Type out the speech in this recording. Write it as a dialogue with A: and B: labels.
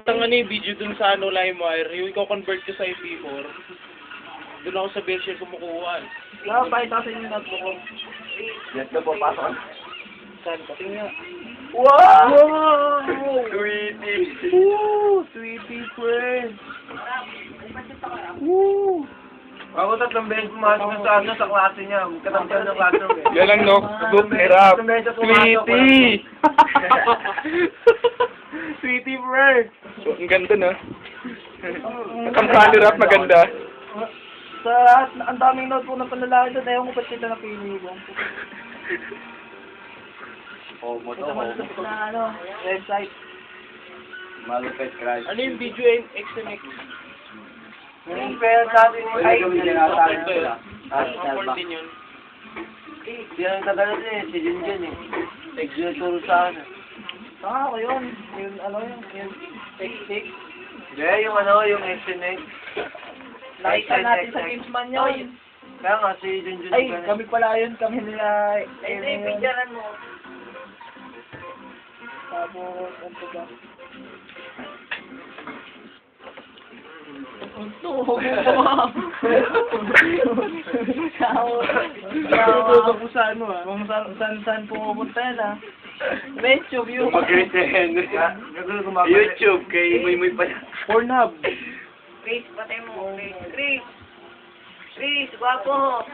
A: Ang ano yung video dun sa ano, LimeWire, yung i-convert ko sa MP4. Doon ako sa version kumukuha.
B: Pakita ko sa inyo yung notebook ko.
C: Yes na po, pasok.
B: Saan? Patingin nga.
C: Wow!
B: Wow!
C: Sweetie!
B: Woo! Sweetie friend! Woo!
C: Ako 3 beses pumasok na sa klase niya. Katampihan ng classroom eh.
D: Yan lang, no? Book hirap.
C: Sweetie!
B: Sweetie friend!
D: So, ang ganda, no? Kampani rap, maganda.
B: Sa ang daming notebook na panlalaki doon, ayaw ko ba't kita napili ko.
C: Homo to,
B: Ito mo
C: homo.
B: na ano, website.
C: Malupit crush.
A: Ano yung video XMX?
B: Yung pera natin ay...
A: Report din yun.
C: Yan ang tagalan eh, si Jinjen eh. Nagturo sa akin.
B: Saka ako yun. Yung ano yun, yung text-text.
C: Hindi, yung ano, yung SNX.
B: Nakita natin sa Gamesman yun.
C: Kaya nga, si Jinjen.
B: Ay, kami pala yun, kami nila... Ay, picturean mo. Tapos, ano ba? Ito,
A: Natututo ko sa ano
B: Kung saan pumupunta yan ah. YouTube yun.
C: Mag-retain. YouTube, kay Muy pa yan.
A: Pornhub.
E: Chris, patay mo. Chris. Chris, gwapo.